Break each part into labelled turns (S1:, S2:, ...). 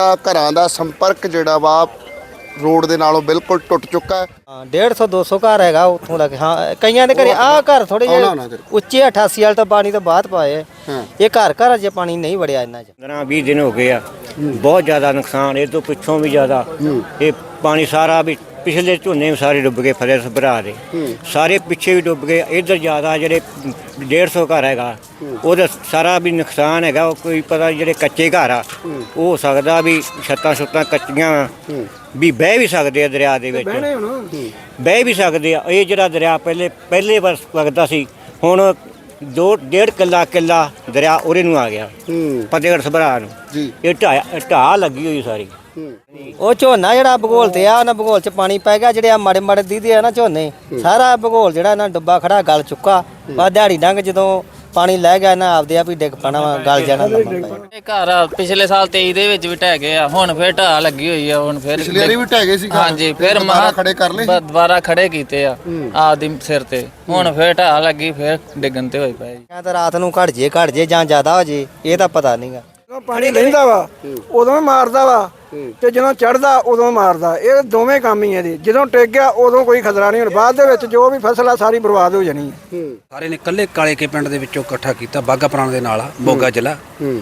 S1: ਘਰਾਂ ਦਾ ਸੰਪਰਕ ਜਿਹੜਾ ਵਾ ਰੋਡ ਦੇ ਨਾਲੋਂ ਬਿਲਕੁਲ ਟੁੱਟ ਚੁੱਕਾ ਹੈ।
S2: 150-200 ਘਰ ਹੈਗਾ ਉੱਥੋਂ ਲੱਗ। ਹਾਂ ਕਈਆਂ ਦੇ ਘਰੇ ਆਹ ਘਰ ਥੋੜੇ ਜਿਹੇ ਉੱਚੇ 88 ਵਾਲ ਤਾਂ ਪਾਣੀ ਤੋਂ ਬਾਅਦ ਪਾਏ। ਇਹ ਘਰ ਅਜੇ ਪਾਣੀ ਨਹੀਂ ਵੜਿਆ ਇਹਨਾਂ 'ਚ।
S3: 15-20 ਦਿਨ ਹੋ ਗਏ ਆ, ਬਹੁਤ ਜ਼ਿਆਦਾ ਨੁਕਸਾਨ। ਇਹ ਤੋਂ ਪਿੱਛੋਂ ਵੀ ਜ਼ਿਆਦਾ ਇਹ ਪਾਣੀ ਸਾਰਾ ਵੀ ਪਿਛਲੇ ਝੋਨੇ ਸਾਰੇ ਡੁੱਬ ਗਏ। ਫਸਲ ਸਭਰਾ ਦੇ ਸਾਰੇ ਪਿੱਛੇ ਵੀ ਡੁੱਬ ਗਏ। ਇੱਧਰ ਜ਼ਿਆਦਾ ਜਿਹੜੇ 150 ਘਰ ਹੈਗਾ ਉਹਦਾ ਸਾਰਾ ਵੀ ਨੁਕਸਾਨ ਹੈਗਾ। ਉਹ ਕੋਈ ਪਤਾ ਜਿਹੜੇ ਕੱਚੇ ਘਰ ਆ ਉਹ ਹੋ ਸਕਦਾ ਵੀ ਛੱਤਾਂ ਕੱਚੀਆਂ ਵੀ ਬਹਿ ਵੀ ਸਕਦੇ ਆ ਦਰਿਆ ਦੇ ਵਿੱਚ, ਬਹਿ ਵੀ ਸਕਦੇ ਆ। ਇਹ ਜਿਹੜਾ ਦਰਿਆ ਪਹਿਲੇ ਵਾਰ ਵਗਦਾ ਸੀ, ਹੁਣ 2.5 ਕਿੱਲਾ ਦਰਿਆ ਉਹਦੇ ਨੂੰ ਆ ਗਿਆ, ਫਤਿਹਗੜ੍ਹ ਸਭਰਾ ਨੂੰ। ਇਹ ਢਾਹ ਲੱਗੀ ਹੋਈ ਸਾਰੀ।
S2: ਉਹ ਝੋਨਾ ਜਿਹੜਾ ਭੂਗੋਲ ਤੇ ਆ, ਉਹਨਾਂ ਭੂਗੋਲ 'ਚ ਪਾਣੀ ਪੈ ਗਿਆ। ਜਿਹੜੇ ਆ ਮਾੜੇ ਦੀਦੇ ਆ ਨਾ ਝੋਨੇ, ਸਾਰਾ ਭੂਗੋਲ ਜਿਹੜਾ ਨਾ ਡੁੱਬਾ ਖੜਾ ਗਲ ਚੁੱਕਾ। ਬਸ ਦਿਹਾੜੀ ਡੰਗ ਜਦੋਂ ਪਾਣੀ ਲੈ ਗਿਆ ਨਾ ਆਪਦੇ ਆਪ ਹੀ ਡਿੱਗ ਪੈਣਾ ਵਾ, ਗਲ ਜਾਣਾ।
S4: ਇਹ ਘਰ ਪਿਛਲੇ ਸਾਲ 23 ਦੇ ਵਿੱਚ ਵੀ ਢਹਿ ਗਏ ਆ, ਹੁਣ ਫੇਰ ਢਾਹ ਲੱਗੀ ਹੋਈ ਆ। ਹੁਣ ਫੇਰ
S1: ਪਿਛਲੇ ਵਾਰੀ ਵੀ ਢਹਿ ਗਏ ਸੀ।
S4: ਹਾਂਜੀ, ਫੇਰ
S1: ਦੁਬਾਰਾ ਖੜੇ ਕਰ ਲਏ,
S4: ਦੁਬਾਰਾ ਖੜੇ ਕੀਤੇ ਆ ਆਪਦੀ ਸਿਰ ਤੇ। ਹੁਣ ਫੇਰ ਢਾਹ ਲੱਗੀ, ਫੇਰ ਡਿੱਗਣ ਤੇ ਹੋਈ ਪਏ।
S2: ਜਾਂ ਤਾਂ ਰਾਤ ਨੂੰ ਘਟ ਜੇ ਜਾਂ ਜ਼ਿਆਦਾ ਹੋ ਜੇ, ਇਹ ਤਾਂ ਪਤਾ ਨਹੀਂਗਾ।
S5: ਜਦੋਂ ਪਾਣੀ ਲੈਂਦਾ ਵਾ ਉਦੋਂ ਮਾਰਦਾ ਵਾ, ਤੇ ਜਦੋਂ ਚੜਦਾ ਉਦੋਂ ਮਾਰਦਾ। ਇਹ ਦੋਵੇਂ ਕੰਮ ਹੀ ਇਹਦੇ। ਜਦੋਂ ਟਿਕ ਗਿਆ ਉਦੋਂ ਕੋਈ ਖਤਰਾ ਨਹੀਂ। ਹੁਣ ਬਾਅਦ ਦੇ ਵਿੱਚ ਜੋ ਵੀ ਫਸਲ ਆ ਸਾਰੀ ਬਰਬਾਦ ਹੋ ਜਾਣੀ ਹੈ।
S6: ਸਾਰੇ ਨੇ ਇਕੱਲੇ ਕਾਲੇਕੇ ਪਿੰਡ ਦੇ ਵਿੱਚੋਂ ਇਕੱਠਾ ਕੀਤਾ, ਬਾਗਾ ਪੁਰਾਣਾ ਦੇ ਨਾਲ ਆ, ਮੋਗਾ ਜ਼ਿਲ੍ਹਾ।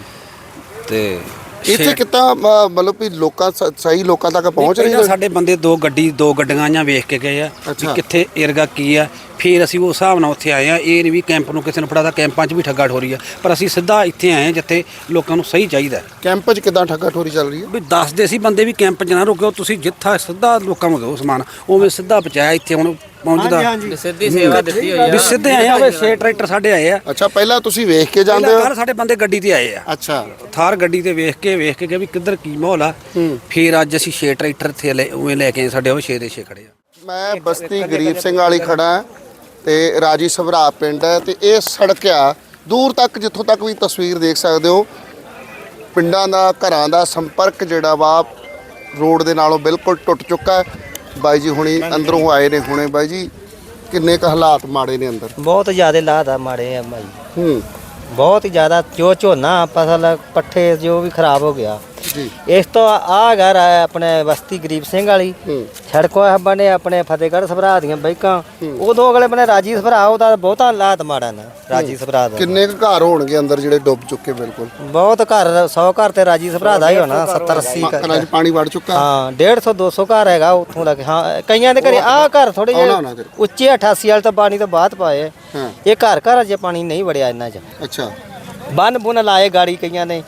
S6: ਤੇ
S1: ਇੱਥੇ ਕਿੱਦਾਂ ਮਤਲਬ ਵੀ ਲੋਕਾਂ ਸਹੀ ਲੋਕਾਂ ਤੱਕ ਪਹੁੰਚ ਰਹੀ ਹੈ?
S6: ਸਾਡੇ ਬੰਦੇ ਦੋ ਗੱਡੀਆਂ ਆਈਆਂ, ਵੇਖ ਕੇ ਗਏ ਆ ਵੀ ਕਿੱਥੇ ਏਰਗਾ ਕੀ ਆ। ਫਿਰ ਅਸੀਂ ਉਸ ਹਿਸਾਬ ਨਾਲ ਉੱਥੇ ਆਏ ਆ। ਇਹ ਨਹੀਂ ਵੀ ਕੈਂਪ ਨੂੰ ਕਿਸੇ ਨੂੰ ਫੜਾਦਾ, ਕੈਂਪਾਂ 'ਚ ਵੀ ਠੱਗਾ ਠੋਰੀ ਆ, ਪਰ ਅਸੀਂ ਸਿੱਧਾ ਇੱਥੇ ਆਏ ਆ ਜਿੱਥੇ ਲੋਕਾਂ ਨੂੰ ਸਹੀ ਚਾਹੀਦਾ।
S1: ਕੈਂਪ 'ਚ ਕਿੱਦਾਂ ਠੱਗਾ ਠੋਰੀ ਚੱਲ ਰਹੀ ਹੈ?
S6: ਵੀ ਦੱਸਦੇ ਸੀ ਬੰਦੇ ਵੀ ਕੈਂਪ 'ਚ ਨਾ ਰੁਕਿਓ, ਤੁਸੀਂ ਜਿੱਥਾ ਸਿੱਧਾ ਲੋਕਾਂ ਨੂੰ ਦਿਓ ਸਮਾਨ, ਉਵੇਂ ਸਿੱਧਾ ਪਹੁੰਚਾਇਆ। ਇੱਥੇ ਹੁਣ ਪਹੁੰਚਦਾ
S4: ਸਿੱਧੀ ਸੇਵਾ ਦਿੱਤੀ ਹੋਈ ਆ।
S6: ਵੀ ਸਿੱਧੇ ਆਏ ਆ। ਵੇ 6 ਟਰੈਕਟਰ ਸਾਡੇ ਆਏ ਆ।
S1: ਅੱਛਾ, ਪਹਿਲਾਂ ਤੁਸੀਂ ਵੇਖ ਕੇ ਜਾਂਦੇ ਹੋ?
S6: ਸਾਡੇ ਬੰਦੇ ਗੱਡੀ ਤੇ ਆਏ ਆ।
S1: ਅੱਛਾ,
S6: ਥਾਰ ਗੱਡੀ ਤੇ ਵੇਖ ਕੇ ਗਏ ਵੀ ਕਿੱਧਰ ਕੀ ਮਾਹੌਲ ਆ। ਫਿਰ ਅੱਜ ਅਸੀਂ 6 ਟਰੈਕਟਰ ਇੱਥੇ ਉਵੇਂ ਲੈ ਕੇ ਆਏ। ਸਾਡੇ ਉਹ 6 ਦੇ 6 ਖੜੇ ਆ।
S1: ਮੈਂ ਬਸਤੀ ਗਰੀਬ ਸਿੰਘ ਵਾਲੀ ਖੜਾ ਤੇ ਰਾਜੀ ਸਭਰਾ ਪਿੰਡ ਹੈ ਤੇ ਇਹ ਸੜਕ ਆ ਦੂਰ ਤੱਕ, ਜਿੱਥੋਂ ਤੱਕ ਵੀ ਤਸਵੀਰ ਦੇਖ ਸਕਦੇ ਹੋ। ਪਿੰਡਾਂ ਦਾ ਘਰਾਂ ਦਾ ਸੰਪਰਕ ਜਿਹੜਾ ਵਾ ਰੋਡ ਦੇ ਨਾਲੋਂ ਬਿਲਕੁਲ ਟੁੱਟ ਚੁੱਕਾ ਹੈ। ਬਾਈ ਜੀ ਹੁਣੀ ਅੰਦਰੋਂ ਆਏ ਨੇ ਹੁਣੇ। ਬਾਈ ਜੀ ਕਿੰਨੇ ਕੁ ਹਾਲਾਤ ਮਾੜੇ ਨੇ ਅੰਦਰ?
S2: ਬਹੁਤ ਜ਼ਿਆਦਾ ਲਾਹਤ ਆ, ਮਾੜੇ ਆ ਭਾਈ, ਬਹੁਤ ਹੀ ਜ਼ਿਆਦਾ। ਜੋ ਝੋਨਾ ਫਸਲ ਪੱਠੇ ਜੋ ਵੀ ਖਰਾਬ ਹੋ ਗਿਆ। ਇਸ ਤੋਂ ਆ ਘਰ ਆਇਆ ਆਪਣੇ ਬਸਤੀ ਗਰੀਬ ਸਿੰਘ ਵਾਲੀ ਸੜਕੋਂ ਬਣੇ ਆਪਣੇ ਫਤਿਹਗੜ੍ਹ ਸਭਰਾ ਦੀਆਂ ਬਾਈਕਾਂ। ਉਦੋਂ ਅਗਲੇ ਬਣੇ ਰਾਜੀ ਸਭਰਾ, ਉਹਦਾ ਬਹੁਤਾ ਹਾਲਾਤ ਮਾੜਾ ਨਾ ਰਾਜੀ ਸਭਰਾ ਦਾ।
S1: ਕਿੰਨੇ ਕੁ ਘਰ ਹੋਣਗੇ ਅੰਦਰ ਜਿਹੜੇ ਡੁੱਬ ਚੁੱਕੇ? ਬਿਲਕੁਲ
S2: ਬਹੁਤ ਘਰ, 100 ਘਰ ਤੇ ਰਾਜੀ ਸਭਰਾ ਦਾ ਹੀ ਹੋਣਾ, 70-80
S1: ਘਰਾਂ 'ਚ ਪਾਣੀ ਵੜ ਚੁੱਕਾ।
S2: ਹਾਂ 150-200 ਘਰ ਹੈਗਾ ਉੱਥੋਂ ਲੱਗ। ਹਾਂ ਕਈਆਂ ਦੇ ਘਰੇ ਆਹ ਘਰ ਥੋੜੇ ਜਿਹੇ ਉੱਚੇ 88 ਵਾਲ ਤਾਂ ਪਾਣੀ ਤੋਂ ਬਾਅਦ ਪਾਏ। ਇਹ ਘਰ ਅਜੇ ਪਾਣੀ ਨਹੀਂ ਵੜਿਆ ਇਹਨਾਂ 'ਚ।
S1: ਅੱਛਾ,
S2: ਬੰਨ ਬੁਨ ਲਾਏ ਗਾੜੀ ਕਈਆਂ ਨੇ।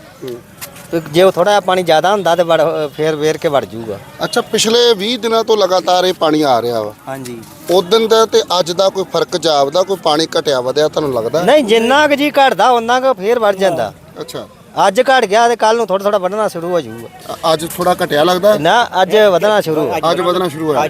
S2: ਜੇ ਉਹ ਥੋੜਾ ਪਾਣੀ ਜ਼ਿਆਦਾ ਹੁੰਦਾ ਤੇ ਫੇਰ ਵੇਰ ਕੇ ਵੜ ਜਾਊਗਾ।
S1: ਅੱਛਾ, ਪਿਛਲੇ 20 ਦਿਨਾਂ ਤੋਂ ਲਗਾਤਾਰ ਇਹ ਪਾਣੀ ਆ ਰਿਹਾ ਵਾ।
S2: ਹਾਂਜੀ,
S1: ਉਦੋਂ ਦਾ ਤੇ ਅੱਜ ਦਾ ਕੋਈ ਫਰਕ ਜਾਪਦਾ? ਕੋਈ ਪਾਣੀ ਘਟਿਆ ਵਧਿਆ ਤੁਹਾਨੂੰ ਲੱਗਦਾ?
S2: ਨਹੀਂ, ਜਿੰਨਾ ਕੁ ਜੀ ਘਟਦਾ ਉਹਨਾਂ ਕੁ ਫੇਰ ਵੜ ਜਾਂਦਾ।
S1: ਅੱਛਾ,
S2: ਅੱਜ ਘਟ ਗਿਆ ਤੇ ਕੱਲ ਨੂੰ ਥੋੜਾ ਵਧਣਾ ਸ਼ੁਰੂ ਹੋ ਜਾਊਗਾ।
S1: ਅੱਜ ਥੋੜਾ ਘਟਿਆ ਲੱਗਦਾ
S2: ਨਾ, ਅੱਜ ਵਧਣਾ ਸ਼ੁਰੂ।
S1: ਅੱਜ ਵਧਣਾ ਸ਼ੁਰੂ ਹੋਇਆ।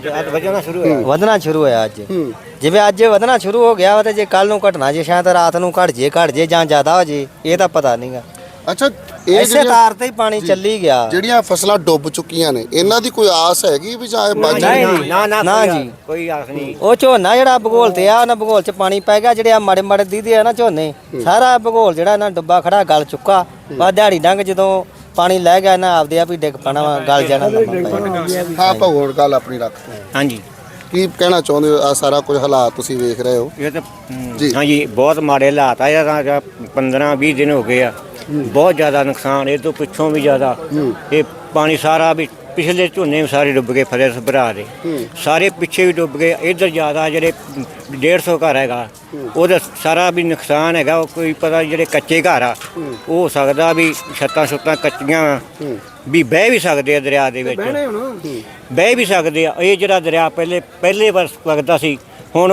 S2: ਵਧਣਾ ਸ਼ੁਰੂ ਹੋਇਆ ਅੱਜ। ਜਿਵੇਂ ਅੱਜ ਵਧਣਾ ਸ਼ੁਰੂ ਹੋ ਗਿਆ ਤੇ ਜੇ ਕੱਲ ਨੂੰ ਘਟਣਾ, ਜੇ ਸ਼ਾਇਦ ਰਾਤ ਨੂੰ ਘਟ ਜੇ ਜਾਂ ਜ਼ਿਆਦਾ ਹੋ ਜੇ, ਇਹ ਤਾਂ ਪਤਾ ਨਹੀਂਗਾ।
S1: ਅੱਛਾ, ਇਹ
S2: ਇਸੇ ਤਾਰ ਤੇ ਹੀ ਪਾਣੀ ਚੱਲੀ ਗਿਆ।
S1: ਜਿਹੜੀਆਂ ਫਸਲਾਂ ਡੁੱਬ ਚੁੱਕੀਆਂ ਨੇ, ਇਹਨਾਂ ਦੀ ਕੋਈ ਆਸ ਹੈਗੀ ਵੀ ਜਾਂ ਬਚ?
S2: ਨਾ ਜੀ,
S3: ਕੋਈ ਆਸ ਨਹੀਂ।
S2: ਉਹ ਝੋਨਾ ਜਿਹੜਾ ਭੂਗੋਲ ਤੇ ਆ, ਉਹਨਾਂ ਭੂਗੋਲ 'ਚ ਪਾਣੀ ਪੈ ਗਿਆ। ਜਿਹੜੇ ਆ ਮਾੜੇ ਦੀਦੇ ਆ ਨਾ ਝੋਨੇ, ਸਾਰਾ ਭੂਗੋਲ ਜਿਹੜਾ ਨਾ ਡੁੱਬਾ ਖੜਾ ਗਲ ਚੁੱਕਾ। ਬਸ ਦਿਹਾੜੀ ਡੰਗ ਜਦੋਂ ਪਾਣੀ ਲੈ ਗਿਆ ਨਾ ਆਪਦੇ ਆਪ ਹੀ ਡਿੱਗ ਪੈਣਾ ਵਾ, ਗਲ ਜਾਣਾ।
S1: ਹਾਂ, ਭਗੋੜ ਗੱਲ ਆਪਣੀ ਰੱਖ।
S3: ਹਾਂਜੀ,
S1: ਕੀ ਕਹਿਣਾ ਚਾਹੁੰਦੇ ਹੋ? ਆ ਸਾਰਾ ਕੁਝ ਹਾਲਾਤ ਤੁਸੀਂ ਵੇਖ ਰਹੇ ਹੋ
S3: ਇਹ ਤਾਂ
S1: ਜੀ।
S3: ਹਾਂਜੀ, ਬਹੁਤ ਮਾੜੇ ਹਾਲਾਤ ਆ। ਇਹਦਾ 15-20 ਦਿਨ ਹੋ ਗਏ ਆ, ਬਹੁਤ ਜ਼ਿਆਦਾ ਨੁਕਸਾਨ। ਇਹ ਤੋਂ ਪਿੱਛੋਂ ਵੀ ਜ਼ਿਆਦਾ ਇਹ ਪਾਣੀ ਸਾਰਾ ਵੀ ਪਿਛਲੇ ਝੋਨੇ ਸਾਰੇ ਡੁੱਬ ਗਏ। ਫਸਲ ਸਭਰਾ ਦੇ ਸਾਰੇ ਪਿੱਛੇ ਵੀ ਡੁੱਬ ਗਏ। ਇੱਧਰ ਜ਼ਿਆਦਾ ਜਿਹੜੇ 150 ਘਰ ਹੈਗਾ ਉਹਦਾ ਸਾਰਾ ਵੀ ਨੁਕਸਾਨ ਹੈਗਾ। ਉਹ ਕੋਈ ਪਤਾ ਜਿਹੜੇ ਕੱਚੇ ਘਰ ਆ ਉਹ ਹੋ ਸਕਦਾ ਵੀ ਛੱਤਾਂ ਕੱਚੀਆਂ ਵੀ ਬਹਿ ਵੀ ਸਕਦੇ ਆ ਦਰਿਆ ਦੇ ਵਿੱਚ, ਬਹਿ ਵੀ ਸਕਦੇ ਆ। ਇਹ ਜਿਹੜਾ ਦਰਿਆ ਪਹਿਲੇ ਵਾਰ ਵਗਦਾ ਸੀ, ਹੁਣ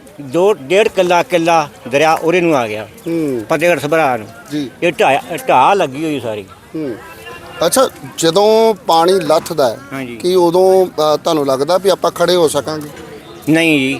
S3: 2.5 ਕਿੱਲਾ ਦਰਿਆ ਉਹਦੇ ਨੂੰ ਆ ਗਿਆ, ਫਤਿਹਗੜ੍ਹ ਸਭਰਾ ਨੂੰ। ਇਹ ਢਾਹ ਲੱਗੀ ਹੋਈ ਸਾਰੀ।
S1: ਅੱਛਾ, ਜਦੋਂ ਪਾਣੀ ਲੱਥਦਾ ਹੈ ਕਿ ਉਦੋਂ ਤੁਹਾਨੂੰ ਲੱਗਦਾ ਵੀ ਆਪਾਂ ਖੜੇ ਹੋ ਸਕਾਂਗੇ?
S3: ਨਹੀਂ ਜੀ,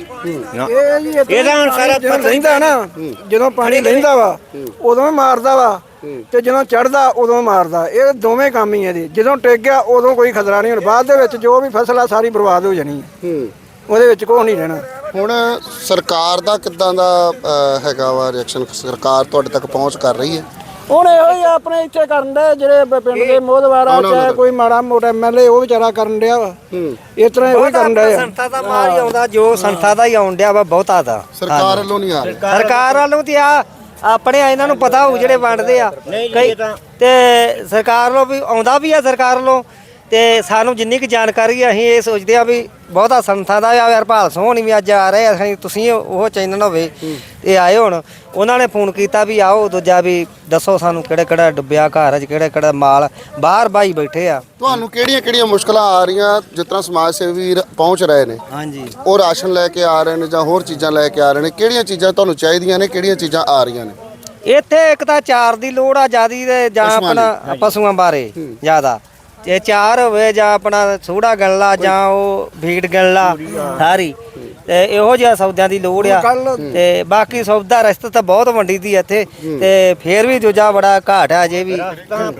S5: ਇਹਦਾ ਹੁਣ ਸਾਰਾ ਰਹਿੰਦਾ ਨਾ। ਜਦੋਂ ਪਾਣੀ ਲੈਂਦਾ ਵਾ ਉਦੋਂ ਮਾਰਦਾ ਵਾ, ਤੇ ਜਦੋਂ ਚੜਦਾ ਉਦੋਂ ਮਾਰਦਾ। ਇਹ ਦੋਵੇਂ ਕੰਮ ਹੀ ਇਹਦੇ। ਜਦੋਂ ਟਿਕ ਗਿਆ ਉਦੋਂ ਕੋਈ ਖਤਰਾ ਨਹੀਂ। ਹੁਣ ਬਾਅਦ ਦੇ ਵਿੱਚ ਜੋ ਵੀ ਫਸਲ ਆ ਸਾਰੀ ਬਰਬਾਦ ਹੋ ਜਾਣੀ ਹੈ। ਉਹਦੇ ਵਿੱਚ ਕੁਛ ਨਹੀਂ ਰਹਿਣਾ।
S1: ਹੁਣ ਸਰਕਾਰ ਦਾ ਕਿੱਦਾਂ ਦਾ ਹੈਗਾ ਵਾ ਰਿਐਕਸ਼ਨ? ਸਰਕਾਰ ਤੁਹਾਡੇ ਤੱਕ ਪਹੁੰਚ ਕਰ ਰਹੀ ਹੈ?
S5: ਹੁਣ ਇਹੋ ਹੀ ਆਪਣੇ ਇੱਥੇ ਕਰਨ ਦੇ ਜਿਹੜੇ ਪਿੰਡ ਦੇ ਮੋਹਦਵਾਰ ਆ ਚਾਹੇ ਕੋਈ ਮਾੜਾ ਮੋਟਾ ਐਮਐਲਏ ਉਹ ਵਿਚਾਰਾ ਕਰਨ ਡਿਆ ਵਾ ਇਸ ਤਰ੍ਹਾਂ ਇਹੋ ਹੀ ਕਰਨ ਡਿਆ
S2: ਸੰਸਥਾ ਦਾ ਮਾਲ ਹੀ ਆਉਂਦਾ ਜੋ ਸੰਸਥਾ ਦਾ ਹੀ ਆਉਣ ਡਿਆ ਵਾ ਬਹੁਤਾ ਦਾ
S1: ਸਰਕਾਰ ਵੱਲੋਂ ਨਹੀਂ ਆ ਰਿਹਾ।
S2: ਸਰਕਾਰ ਵੱਲੋਂ ਤੇ ਆ ਆਪਣੇ ਇਹਨਾਂ ਨੂੰ ਪਤਾ ਹੋਊ ਜਿਹੜੇ ਵੰਡਦੇ ਆ ਕਈ ਤੇ ਸਰਕਾਰ ਵੱਲੋਂ ਵੀ ਆਉਂਦਾ ਵੀ ਆ ਸਰਕਾਰ ਵੱਲੋਂ ਤੇ ਸਾਨੂੰ ਜਿੰਨੀ ਕੁ ਜਾਣਕਾਰੀ ਆ ਅਸੀਂ ਇਹ ਸੋਚਦੇ ਆ ਵੀ ਬਹੁਤਾ ਸੰਸਥਾ ਦਾ ਆ ਹਰਪਾਲ ਸੋਹਣੀ ਵੀ ਅੱਜ ਆ ਰਹੇ ਅਸੀਂ ਤੁਸੀਂ ਉਹ ਚੈਨਲ ਹੋਵੇ ਇਹ ਆਏ ਹੁਣ ਉਹਨਾਂ ਨੇ ਫੋਨ ਕੀਤਾ ਵੀ ਆਓ ਦੂਜਾ ਵੀ ਦੱਸੋ ਸਾਨੂੰ ਕਿਹੜਾ ਕਿਹੜਾ ਡੁੱਬਿਆ ਘਰ 'ਚ ਕਿਹੜਾ ਕਿਹੜਾ ਮਾਲ ਬਾਹਰ ਬਾਈ ਬੈਠੇ ਆ।
S1: ਤੁਹਾਨੂੰ ਕਿਹੜੀਆਂ ਮੁਸ਼ਕਲਾਂ ਆ ਰਹੀਆਂ ਜਿਸ ਤਰ੍ਹਾਂ ਸਮਾਜ ਸੇਵੀ ਵੀਰ ਪਹੁੰਚ ਰਹੇ ਨੇ
S2: ਹਾਂਜੀ
S1: ਉਹ ਰਾਸ਼ਨ ਲੈ ਕੇ ਆ ਰਹੇ ਨੇ ਜਾਂ ਹੋਰ ਚੀਜ਼ਾਂ ਲੈ ਕੇ ਆ ਰਹੇ ਨੇ ਕਿਹੜੀਆਂ ਚੀਜ਼ਾਂ ਤੁਹਾਨੂੰ ਚਾਹੀਦੀਆਂ ਨੇ ਕਿਹੜੀਆਂ ਚੀਜ਼ਾਂ ਆ ਰਹੀਆਂ ਨੇ?
S2: ਇੱਥੇ ਇੱਕ ਤਾਂ ਚਾਰ ਦੀ ਲੋੜ ਆ ਜਿਆਦੀ ਤੇ ਜਾਂ ਆਪਣਾ ਪਸ਼ੂਆਂ ਬਾਰੇ ਜ਼ਿਆਦਾ ਇਹ ਚਾਰ ਹੋਵੇ ਜਾਂ ਆਪਣਾ ਸੂੜਾ ਗਣਲਾ ਜਾਂ ਉਹ ਭੀੜ ਗਣਲਾ ਸਾਰੀ ਤੇ ਇਹੋ ਜਿਹਾ ਸੌਦਿਆਂ ਦੀ ਲੋੜ ਆ ਤੇ ਬਾਕੀ ਸੌਦਾ ਰਸਤਾ ਤਾਂ ਬਹੁਤ ਵੰਡੀ ਦੀ ਇੱਥੇ ਤੇ ਫੇਰ ਵੀ ਦੂਜਾ ਬੜਾ ਘਾਟ ਆ ਜੇ ਵੀ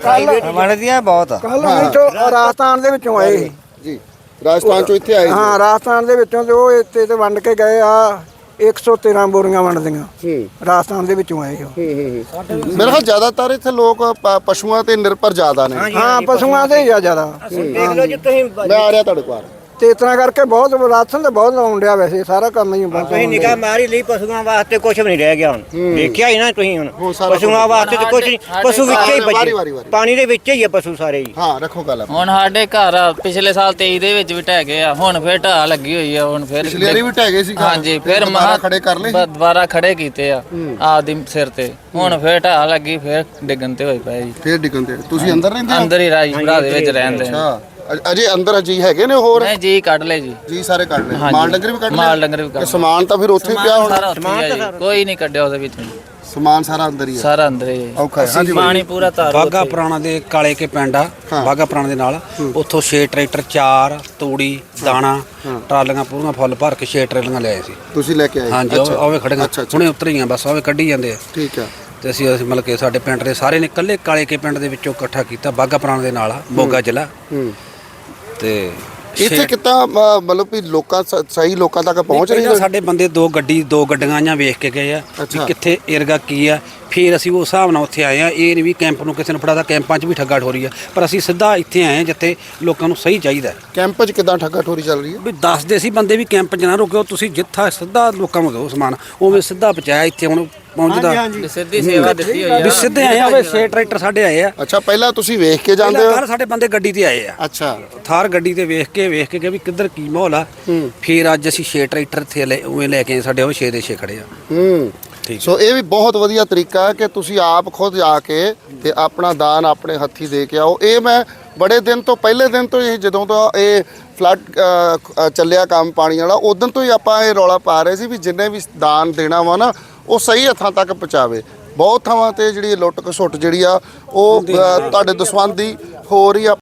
S2: ਵੰਡਦੀਆਂ ਬਹੁਤ
S5: ਕੱਲ ਇੱਥੋਂ ਰਾਜਸਥਾਨ ਦੇ ਵਿੱਚੋਂ ਆਏ ਸੀ।
S1: ਜੀ ਰਾਜਸਥਾਨ ਚੋਂ ਇੱਥੇ ਆਏ
S5: ਹਾਂ ਰਾਜਸਥਾਨ ਦੇ ਵਿੱਚੋਂ ਤੇ ਉਹ ਇੱਥੇ ਤੇ ਵੰਡ ਕੇ ਗਏ ਆ 113 ਬੋਰੀਆਂ ਵੰਡਦੀਆਂ ਰਾਜਸਥਾਨ ਦੇ ਵਿੱਚੋਂ ਆਏ ਉਹ।
S1: ਮੇਰੇ ਖਿਆਲ ਜ਼ਿਆਦਾਤਰ ਇੱਥੇ ਲੋਕ ਪਸ਼ੂਆਂ ਤੇ ਨਿਰਭਰ ਜ਼ਿਆਦਾ ਨੇ।
S5: ਹਾਂ ਪਸ਼ੂਆਂ ਦੇ ਹੀ ਆ ਜ਼ਿਆਦਾ
S2: ਦੇਖ ਲਓ ਜੀ ਤੁਸੀਂ
S1: ਮੈਂ ਆ ਰਿਹਾ ਤੁਹਾਡੇ ਕੋਲ
S5: ਤੇ ਇਸ ਤਰ੍ਹਾਂ ਕਰਕੇ ਬਹੁਤ ਰਾਸ਼ਨ ਤੇ ਬਹੁਤ ਲਾਉਣ ਡਿਆ ਵੈਸੇ ਸਾਰਾ ਕੰਮ ਹੀ ਬਹੁਤ
S3: ਤੁਸੀਂ ਨਿਗਾਹ ਮਾਰੀ ਲਈ ਪਸ਼ੂਆਂ ਵਾਸਤੇ ਕੁਝ ਵੀ ਨਹੀਂ ਰਹਿ ਗਿਆ ਹੁਣ ਦੇਖਿਆ ਹੀ ਨਾ ਤੁਸੀਂ ਹੁਣ ਪਸ਼ੂਆਂ ਵਾਸਤੇ ਤਾਂ ਕੁਝ ਨਹੀਂ ਪਸ਼ੂ ਵਿੱਚ ਹੀ ਬਚੇ ਪਾਣੀ ਦੇ ਵਿੱਚ ਹੀ ਆ ਪਸ਼ੂ ਸਾਰੇ ਹੀ।
S1: ਹਾਂ ਰੱਖੋ ਗੱਲ
S4: ਹੁਣ ਸਾਡੇ ਘਰ ਪਿਛਲੇ ਸਾਲ 23 ਦੇ ਵਿੱਚ ਵੀ ਢਹਿ ਗਏ ਆ ਹੁਣ ਫੇਰ ਢਾਹ ਲੱਗੀ ਹੋਈ ਆ ਹੁਣ ਫੇਰ
S1: ਪਿਛਲੇ ਵਾਰੀ ਵੀ ਢਹਿ ਗਏ ਸੀ ਘਰ।
S4: ਹਾਂਜੀ ਫੇਰ
S1: ਦੁਬਾਰਾ ਖੜੇ ਕਰ ਲਏ
S4: ਦੁਬਾਰਾ ਖੜੇ ਕੀਤੇ ਆ ਆਪਦੀ ਸਿਰ ਤੇ ਹੁਣ ਫੇਰ ਢਾਹ ਲੱਗੀ ਫੇਰ ਡਿੱਗਣ ਤੇ ਹੋਈ ਪਏ ਜੀ।
S1: ਫੇਰ ਡਿੱਗਣ ਤੇ ਤੁਸੀਂ ਅੰਦਰ ਰਹਿੰਦੇ ਹੋ?
S4: ਅੰਦਰ ਹੀ ਰਾਜਪੁਰਾ ਦੇ ਵਿੱਚ ਰਹਿੰਦੇ ਆ।
S1: ਅੱਛਾ ਅਜੇ ਅੰਦਰ ਜੀ ਹੈਗੇ ਨੇ ਹੋਰ
S4: ਨਹੀਂ ਜੀ ਕੱਢ ਲੈ ਜੀ
S1: ਜੀ ਸਾਰੇ ਕੱਢ ਲਏ ਮਾਲ ਡੰਗਰ ਵੀ ਕੱਢ ਲਏ
S4: ਮਾਲ ਡੰਗਰ ਵੀ ਕੱਢ
S1: ਤੇ ਸਮਾਨ ਤਾਂ ਫਿਰ ਉੱਥੇ ਹੀ ਪਿਆ ਹੋਣਾ
S4: ਸਾਰਾ ਉੱਥੇ ਹੀ ਆ ਜੀ, ਕੋਈ ਨਹੀਂ ਕੱਢਿਆ ਉਹਦੇ ਵਿੱਚ
S1: ਸਮਾਨ ਸਾਰਾ ਅੰਦਰ ਹੀ ਹੈ
S4: ਸਾਰਾ ਅੰਦਰ ਹੀ ਹੈ।
S1: ਔਖਾ ਹੈ ਹਾਂਜੀ
S4: ਪਾਣੀ ਪੂਰਾ ਤਾਰ
S6: ਬਾਗਾ ਪੁਰਾਣਾ ਦੇ ਕਾਲੇ ਕੇ ਪਿੰਡ ਆ ਬਾਗਾ ਪੁਰਾਣਾ ਦੇ ਨਾਲ ਉੱਥੋਂ 6 ਟਰੈਕਟਰ 4 ਤੂੜੀ ਦਾਣਾ ਟਰਾਲੀਆਂ ਪੂਰੀਆਂ ਫੁੱਲ ਭਰ ਕੇ 6 ਟਰੈਲੀਆਂ ਲਿਆਏ ਸੀ
S1: ਤੁਸੀਂ ਲੈ ਕੇ ਆਏ
S6: ਹਾਂਜੀ ਆਵੇ ਖੜੀਆਂ ਹੁਣੇ ਉਤਰ ਗਈਆਂ ਬਸ ਆਵੇ ਕੱਢੀ ਜਾਂਦੇ ਆ
S1: ਠੀਕ ਹੈ
S6: ਤੇ ਅਸੀਂ ਮਤਲਬ ਕਿ ਸਾਡੇ ਪਿੰਡ ਦੇ ਸਾਰੇ ਨੇ ਇਕੱਲੇ ਕਾਲੇ ਕੇ ਪਿੰਡ ਦੇ ਵਿੱਚੋਂ ਇਕੱਠਾ ਕੀਤਾ ਬਾਗਾ ਪੁਰਾਣਾ ਦੇ ਨਾਲ ਆ ਮੋਗਾ ਜ਼ਿਲ੍ਹਾ ਤੇ
S1: ਇੱਥੇ ਕਿੱਦਾਂ ਮਤਲਬ ਵੀ ਲੋਕਾਂ ਸਹੀ ਲੋਕਾਂ ਤੱਕ ਪਹੁੰਚ ਰਹੀ
S6: ਪਹਿਲਾਂ ਸਾਡੇ ਬੰਦੇ ਦੋ ਗੱਡੀਆਂ ਆਈਆਂ ਵੇਖ ਕੇ ਗਏ ਆ ਵੀ ਕਿੱਥੇ ਏਰਗਾ ਕੀ ਆ ਫਿਰ ਅਸੀਂ ਉਸ ਹਿਸਾਬ ਨਾਲ ਉੱਥੇ ਆਏ ਆ ਇਹ ਨਹੀਂ ਵੀ ਕੈਂਪ ਨੂੰ ਕਿਸੇ ਨੂੰ ਫੜਾਦਾ ਕੈਂਪਾਂ 'ਚ ਵੀ ਠੱਗਾ ਠੋਰੀ ਆ ਪਰ ਅਸੀਂ ਸਿੱਧਾ ਇੱਥੇ ਆਏ ਆ ਜਿੱਥੇ ਲੋਕਾਂ ਨੂੰ ਸਹੀ ਚਾਹੀਦਾ
S1: ਕੈਂਪ 'ਚ ਕਿੱਦਾਂ ਠੱਗਾ ਠੋਰੀ ਚੱਲ ਰਹੀ ਹੈ
S6: ਵੀ ਦੱਸਦੇ ਸੀ ਬੰਦੇ ਵੀ ਕੈਂਪ 'ਚ ਨਾ ਰੁਕਿਓ ਤੁਸੀਂ ਜਿੱਥਾ ਸਿੱਧਾ ਲੋਕਾਂ ਨੂੰ ਦਿਓ ਸਮਾਨ ਉਵੇਂ ਸਿੱਧਾ ਪਹੁੰਚਾਇਆ ਇੱਥੇ ਹੁਣ ਪਹੁੰਚਦਾ
S4: ਸਿੱਧੀ ਸੇਵਾ ਦਿੱਤੀ ਹੋਈ
S6: ਵੀ ਸਿੱਧੇ ਆਏ ਆ 6 ਟਰੈਕਟਰ ਸਾਡੇ ਆਏ ਆ
S1: ਅੱਛਾ ਪਹਿਲਾਂ ਤੁਸੀਂ ਵੇਖ ਕੇ ਜਾਂਦੇ ਹੋ
S6: ਸਾਡੇ ਬੰਦੇ ਗੱਡੀ ਤੇ ਆਏ ਆ
S1: ਅੱਛਾ
S6: ਥਾਰ ਗੱਡੀ ਤੇ ਵੇਖ ਕੇ ਕਿ ਵੀ ਕਿੱਧਰ ਕੀ ਮਾਹੌਲ ਆ ਫਿਰ ਅੱਜ ਅਸੀਂ 6 ਟਰੈਕਟਰ ਇੱਥੇ ਉਵੇਂ ਲੈ ਕੇ ਆਏ ਸਾਡੇ ਉਹ 6 ਦੇ 6 ਖੜੇ ਆ
S1: ਸੋ ਇਹ ਵੀ ਬਹੁਤ ਵਧੀਆ ਤਰੀਕਾ ਹੈ ਕਿ ਤੁਸੀਂ ਆਪ ਖੁਦ ਆ ਕੇ ਤੇ ਆਪਣਾ ਦਾਨ ਆਪਣੇ ਹੱਥੀ ਦੇ ਕੇ ਆਓ। ਇਹ ਮੈਂ ਬੜੇ ਦਿਨ ਤੋਂ ਪਹਿਲੇ ਦਿਨ ਤੋਂ ਹੀ ਜਦੋਂ ਤੋਂ ਇਹ ਫਲੱਡ ਚੱਲਿਆ ਕੰਮ ਪਾਣੀ ਵਾਲਾ ਉਦੋਂ ਤੋਂ ਹੀ ਆਪਾਂ ਇਹ ਰੌਲਾ ਪਾ ਰਹੇ ਸੀ ਵੀ ਜਿੰਨੇ ਵੀ ਦਾਨ ਦੇਣਾ ਵਾ ਨਾ ਉਹ ਸਹੀ ਹੱਥਾਂ ਤੱਕ ਪਹੁੰਚਾਵੇ। ਬਹੁਤ ਥਾਵਾਂ ਤੇ ਜਿਹੜੀ ਲੁੱਟ ਖਸੁੱਟ ਜਿਹੜੀ ਆ ਉਹ ਤੁਹਾਡੇ ਦਸਵੰਦ ਦੀ ਹੋ ਰਹੀ ਆ।